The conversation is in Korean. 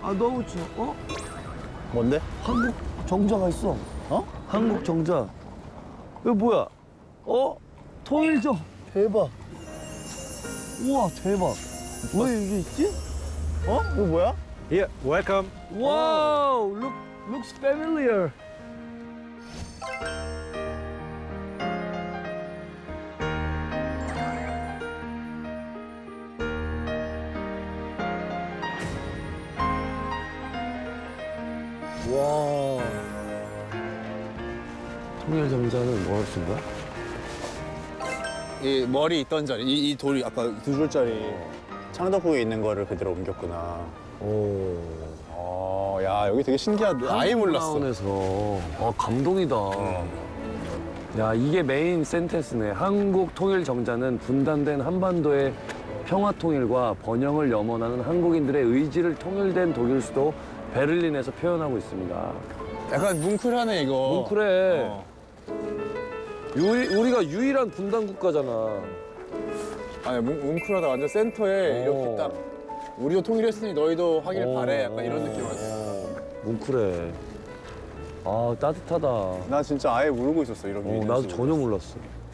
아 너무 추워. 어? 뭔데? 한국 정자가 있어. 어? 한국 정자. 이거 뭐야? 어? 통일정. 대박. 우와 대박. 왜 이게 있지? 어? 이거 뭐야? Here, welcome. 와우. Looks familiar. 와. 통일정자는 뭐 할 수 있나? 이 머리 있던 자리, 이 돌이 아까 2줄짜리 창덕궁에 있는 거를 그대로 옮겼구나. 오. 야 여기 되게 신기하다. 아예 몰랐어. 타운에서 감동이다. 야 이게 메인 센텐스네. 한국 통일 정자는 분단된 한반도의 평화 통일과 번영을 염원하는 한국인들의 의지를 통일된 독일 수도 베를린에서 표현하고 있습니다. 약간 뭉클하네 이거. 뭉클해. 우리가 유일한 분단 국가잖아. 아니 뭉클하다. 완전 센터에 이렇게 딱 우리도 통일했으니 너희도 하길 바래. 약간 이런 느낌이었어. 뭉클해. 아 따뜻하다. 나 진짜 아예 모르고 있었어 이런 게. 나도 전혀 몰랐어.